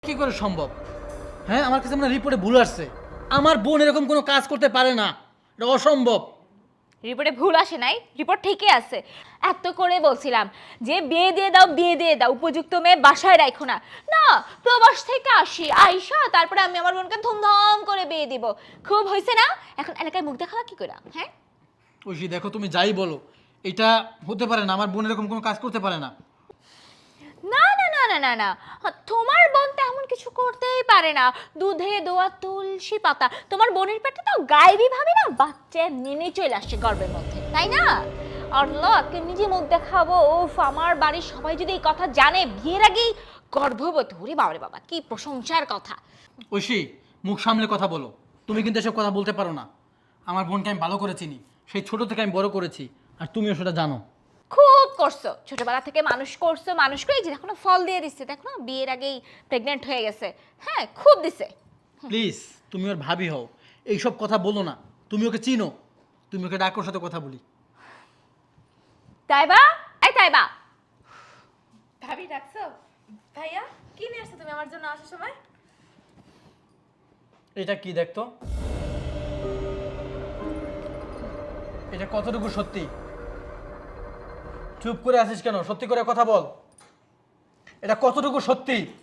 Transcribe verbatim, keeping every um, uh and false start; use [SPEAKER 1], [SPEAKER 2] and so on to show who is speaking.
[SPEAKER 1] কি করে সম্ভব? হ্যাঁ, আমার কাছে মনে রিপোর্টে ভুল আসছে। আমার বোন এরকম কোনো কাজ করতে পারে না, এটা অসম্ভব।
[SPEAKER 2] রিপোর্টে ভুল আসে নাই, রিপোর্ট ঠিকই আছে। এত করে বলছিলাম যে বিয়ে দিয়ে দাও, বিয়ে দিয়ে দাও, উপযুক্ত মেয়ে বাসায় রাখো না। না, প্রবাস থেকে আসি, আইসা তারপরে আমি আমার বোনকে ধুমধাম করে বিয়ে দিব। খুব হয়েছে না? এখন এলাকায় মুখ দেখাবা কি করে? হ্যাঁ,
[SPEAKER 1] ঐশী দেখো, তুমি যাই বলো, এটা হতে পারে না। আমার বোন এরকম কোনো কাজ করতে পারে না।
[SPEAKER 2] না না না না না না, তোমার বোন তো এমন কিছু করতেই পারে না। দুধে দোয়া তুলসী পাতা, তোমার বোনের পেটে তো গায়েবী ভাবে না বাচ্চা নেমে চলে আসছে গর্ভের মধ্যে, তাই না? আল্লাহ, কে নিজে মুখ দেখাবো? ওফ, আমার বাড়ির সবাই যদি এই কথা জানে বিয়ের আগেই গর্ভবতী, ওরে বাবা রে বাবা, কি প্রশংসার কথা।
[SPEAKER 1] ঐশী, মুখ সামলে কথা বলো। তুমি কিন্তু এসব কথা বলতে পারো না। আমার বোনকে আমি ভালো করে চিনি, সেই ছোট থেকে আমি বড় করেছি, আর তুমিও সেটা জানো।
[SPEAKER 2] খুব করছো, ছোটবেলা থেকে মানুষ করছো, মানুষ করে যে এখনো ফল দিয়ে দিচ্ছে, দেখো না বিয়ের আগেই প্রেগনেন্ট হয়ে গেছে। হ্যাঁ, খুব দিছে।
[SPEAKER 1] প্লিজ, তুমি ওর ভাবি হও, এইসব কথা বলো না। তুমি ওকে চিনো, তুমি ওকে ডাকোর সাথে কথা বলি।
[SPEAKER 2] তাইবা, এই তাইবা,
[SPEAKER 3] ভাবি ডাকছো? ভাইয়া কি নিয়ে আসছো তুমি আমার জন্য আসার সময়?
[SPEAKER 1] এটা কি দেখতো? এটা কতটুকু সত্যি? চুপ করে আছিস কেন? সত্যি করে কথা বল। এটা কতটুকু সত্যি?